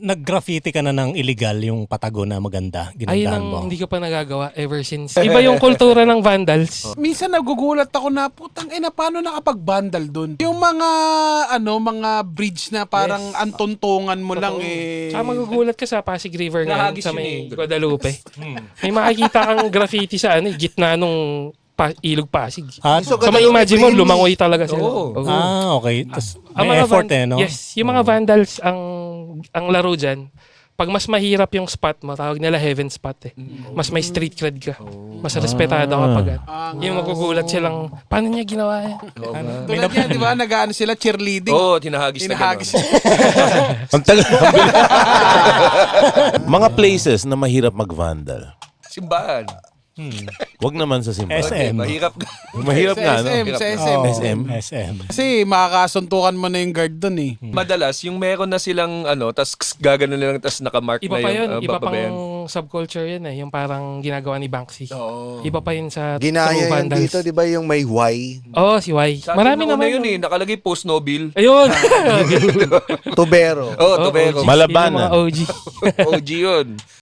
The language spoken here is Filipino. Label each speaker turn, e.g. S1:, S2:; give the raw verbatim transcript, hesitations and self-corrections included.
S1: Nag-graffiti ka na ng illegal, yung patago na maganda,
S2: Ayun
S1: ginandahan
S2: ang
S1: mo.
S2: hindi ko pa nagagawa ever since. Iba yung kultura ng vandals.
S3: Minsan nagugulat ako na, putang ina, paano nakapag-vandal dun? Yung mga, ano, mga bridge na parang
S4: Yes.
S3: antuntungan mo lang eh.
S2: Tsaka magugulat ka sa Pasig River ngayon,
S4: Nahagis
S2: sa
S4: yun
S2: may
S4: eh.
S2: Guadalupe. May makikita kang graffiti sa ano, eh, gitna nung pa- ilog Pasig.
S1: Ah,
S2: So
S5: So,
S2: may
S5: Guadalupe
S2: imagine mo,
S5: Green.
S2: lumangoy talaga sila.
S4: Oo.
S2: Oo.
S1: ah, okay. Tas,
S2: Ang
S1: may
S2: mga
S1: effort
S2: van-
S1: eh, no?
S2: Yes, yung mga vandals, ang ang laro dyan, pag mas mahirap yung spot mo, tawag nila heaven spot eh. Mas may street cred ka. Mas respetado ka pag
S3: Ah,
S2: yung magugulat silang, paano niya ginawa yan?
S3: Tulad yan, di ba? Nag-ano sila, cheerleading.
S4: Oo, tinahagis na
S3: Hinahagis.
S4: gano'n.
S5: Ang tagal. Mga places na mahirap mag-vandal.
S4: Simbahan.
S5: Wag naman sa simbahan.
S1: S M.
S4: Mahirap.
S5: Mahirap nga, no?
S3: S M, sa S M.
S1: Oo,
S5: S M.
S1: S M.
S3: Kasi makakasuntukan mo na yung guard dun eh.
S4: Madalas, yung meron na silang ano, tas gagano na lang, tas nakamark
S2: Iba
S4: na
S2: pa
S4: yung
S2: yun,
S4: uh,
S2: iba pang
S4: babayan.
S2: subculture yun eh, yung parang ginagawa ni Banksy.
S4: Oo.
S2: Iba pa yun sa
S6: Ginaya
S2: true
S6: yan
S2: vandals.
S6: dito, di ba yung may Y?
S2: Oo, oh, si Y.
S4: Sa
S2: Marami
S4: atin naman
S2: naman.
S4: yun eh, nakalagay post Nobel.
S2: Ayun!
S6: Tubero.
S4: Oo, oh,
S2: Oo,
S4: Tobero.
S2: O G.
S5: Malabanan.
S2: Yun yung mga O G.
S4: O G yun.